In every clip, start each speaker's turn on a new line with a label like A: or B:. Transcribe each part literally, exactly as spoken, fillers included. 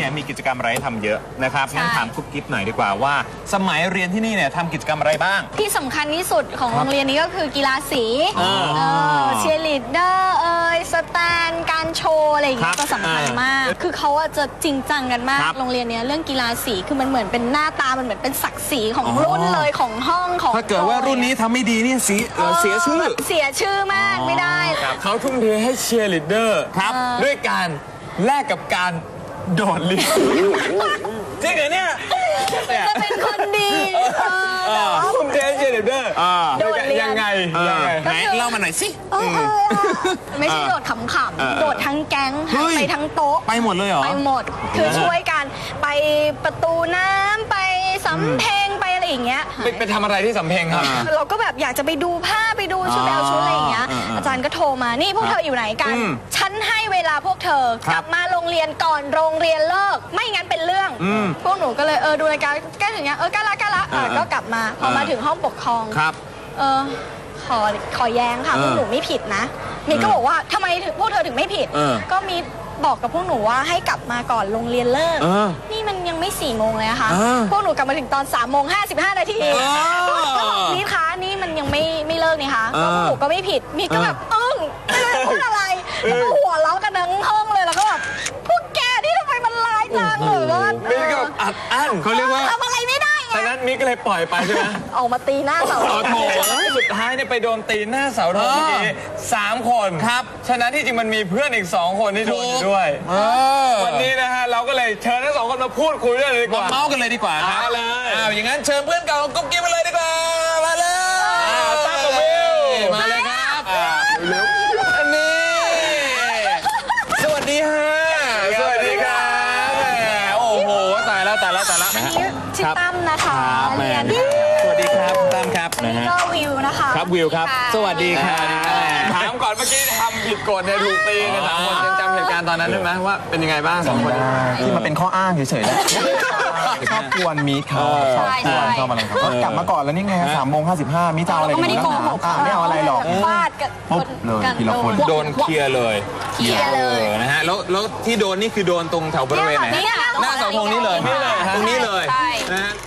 A: เนี่ยมีกิจกรรมอะไรให้ทำเยอะนะครับงั้นถามกุ๊บกิ๊บหน่อยดีกว่าว่าสมัยเรียนที่นี่เนี่ยทำกิจกรรมอะไรบ้าง
B: ที่สำคัญที่สุดของโรงเรียนนี้ก็คือกีฬาสีเชียร์ลีดเดอร์เอ่ยสแตนการโชว์อะไรอย่างเงี้ยก็สำคัญมากคือเขาจะจริงจังกันมากโรงเรียนนี้เรื่องกีฬาสีคือมันเหมือนเป็นหน้าตามันเหมือนเป็นศักดิ์ศรีของรุ่นเลยของห้องของ
A: ถ้าเกิดว่ารุ่นนี้ทำไม่ดีเนี่ยเสียเสียชื่อ
B: เสียชื่อมากไม่ได้
C: เขาทุ่มเทให้เชียร์ลีดเดอร์ด้วยการแลกกับการโดดลิฟต์จริงเหรอเนี่ย
B: จะเป็นคนดี
C: ทุ่มเทให้เชียร์ลีดเดอร์ยังไงยังไง
A: ไหนเล่ามาหน่อยสิ
B: ไม่ใช่โดดขำๆโดดทั้งแก๊งไปทั้งโต๊ะ
A: ไปหมดเลยเหรอ
B: ไปหมดคือช่วยกันไปประตูน้ำไปสำเพ็งไปอะไรอย่างเงี้ย
C: ไปทำอะไรที่สำเพ็งครับ
B: เราก็แบบอยากจะไปดูผ้าไปดูชุดแบลชุดอะไรอย่างเงี้ยอาจารย์ก็โทรมานี่พวกเธออยู่ไหนกันฉันให้เวลาพวกเธอกลับมาโรงเรียนก่อนโรงเรียนเลิกไม่งั้นเป็นเรื่องพวกหนูก็เลยเออดูรายการแก้ถึงเงี้ยเออก้าละก้าละก็กลับมาพอมาถึงห้องปกครอง
A: ครับ
B: เออขอขอแย้งค่ะพวกหนูไม่ผิดนะมีก็บอกว่าทำไมถึงพวกเธอถึงไม่ผิดก็มีบอกกับพวกหนูว่าให้กลับมาก่อนโรงเรียนเลิกนี่มันยังไม่สี่โมงเลยอะค่ะพวกหนูกลับมาถึงตอนสามโมงห้าสิบห้านาทีก็บอกนี่คะนี่มันยังไม่ไม่เลิกนี่คะพวกหนูก็ไม่ผิดมีก็แบบอึ้งไม่รู้จะพูดอะไรแล้วก็หัวเราะกันทั้งห้องเลยแล้วก็แบบพวกแกนี่ทำไมมันร้ายจังหรือว่า
C: มิกก็อัดอั้น
A: เขาเรียกว่า
B: ทำอะไรไม่ได้
C: ฉะนั้นมิกก็เลยปล่อยไปใช่ไหม
B: ออกมาตีหน้าเสา
C: โอ้โหสุดท้ายเนี่ยไปโดนตีหน้าเสาทองเมื่อกี้สามคนครับฉะนั้นที่จริงมันมีเพื่อนอีกสองคนที่โดนอยู่ด้วยวันนี้นะฮะเราก็เลยเชิญทั้งสองคนมาพูดคุยด้วยเลยดีกว่า
A: เมาส์กันเลยดีกว่าครับ
C: เลย
A: อ้าวอย่างนั้นเชิญเพื่อนเก่ากุ๊บกิ๊บมาเลยดีกว่ามาเลย
C: ตั้งกับวิว
A: มาเลยครับเร็วอันนี้สวัสดีฮะ
C: สวัสดีครับ
A: โอ้โหตายแล้วตายแล้วตายแล้ว
B: อันนี้ชื่อตั้มนะคะเรียน
A: สวัสดีครับตั้มครับ
B: นะฮะก็วิวนะคะ
A: ครับวิวครับสวัสดีครับ
C: ถามก่อนเมื่อกี้ทำผิดกฎในถูกตีนะสามคนยังจำเหตุการณ์ตอนนั้นได้ไหมว่าเป็นยังไงบ้างสองคน
D: ที่มันเป็นข้ออ้างเฉยๆนะชอบกวนมิกเขาชอบกวนชอบอะไรเขาก็กลับมาก่อนแล้วนี่ไงสามโมงห้าสิบห้ามิกจะเอาอะไร
B: ไม่ได้โกหก
D: ไม่เอาอะไรหรอก
B: ฟาดกัน
D: ปุ๊บเลยทีละคน
A: โดนเคลียร์เลย
B: เคลียร์เลย
A: นะฮะแล้วแล้วที่โดนนี่คือโดนตรงแถวบริเวณไหนหน้าเสาธงนี้เลยตรงนี้เลยนะฮะ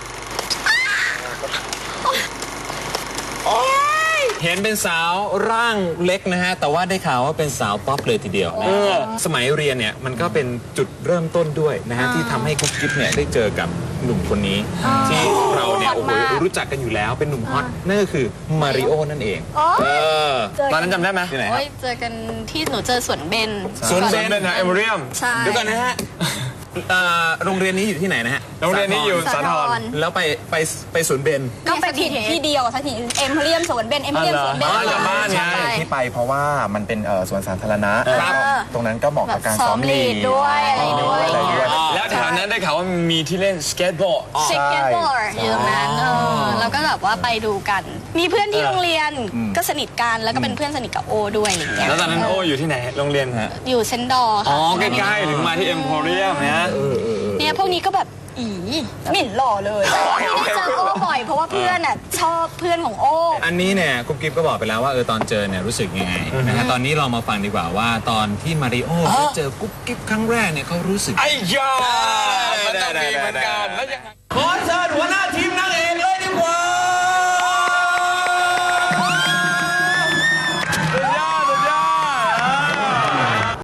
A: เห็นเป็นสาวร่างเล็กนะฮะแต่ว่าได้ข่าวว่าเป็นสาวป๊อปเลยทีเดียวนะสมัยเรียนเนี่ยมันก็เป็นจุดเริ่มต้นด้วยนะฮะที่ทำให้กุ๊บกิ๊บเนี่ยได้เจอกับหนุ่มคนนี้ที่เราเนี่ยโอ้โหรู้จักกันอยู่แล้วเป็นหนุ่มฮอตนั่นก็คือมาริโอนั่นเอง
C: ตอนนั้นจำได้ไหม
A: ที่ไหน
B: เจอกันที่หนูเจอสวนเบน
C: สวนเบนนะเอเมอริยม
B: เ
A: ดี๋ยวก่อนนะฮะโรงเรียนนี้อยู่ที่ไหนนะฮะ
C: โรงเรียนนี้อยู่สาทร
A: แล้วไปไปไปสวนเบน
B: ก็ไปที่ที่เดียวสถานเอ็มเพรียมสวนเบนเอ็มเพรียมสวนเบน
C: บ้านไง
D: ที่ไปเพราะว่ามันเป็นสวนสาธารณะตรงนั้นก็เหมาะกับการซ้อมลีด
B: ด้วยอะไรด้วย
C: แล้วแถวนั้นได้ข่าวว่ามีที่เล่นสเก็ตบอร์ด
B: สเก็ตบอร์ดอยู่ตรงนั้นแล้วก็แบบว่าไปดูกันมีเพื่อนที่โรงเรียนก็สนิทกันแล้วก็เป็นเพื่อนสนิทกับโอด้วยอะไรอย่างเงี้ย
C: แล้วตอนนั้นโออยู่ที่ไหนโรงเรียนฮะ
B: อยู่เซนดอร์
C: อ๋อใกล้ๆถึงมาที่เอ็มโพเรียมเนี่ย
B: เนี่ยพวกนี้ก็แบบอีหมิ่นหล่อเลยไม่ได้เจอโอ้บ่อยเพราะว่าเพื่อนอ่ะชอบเพื่อนของโอ้
A: อันนี้เนี่ยกุ๊บกิ๊บก็บอกไปแล้วว่าเออตอนเจอเนี่ยรู้สึกยังไงนะฮะตอนนี้เรามาฟังดีกว่าว่าตอนที่มาริโอได้เจอกุ๊บกิ๊บครั้งแรกเนี่ยเขารู้สึก
C: ไอ้ยา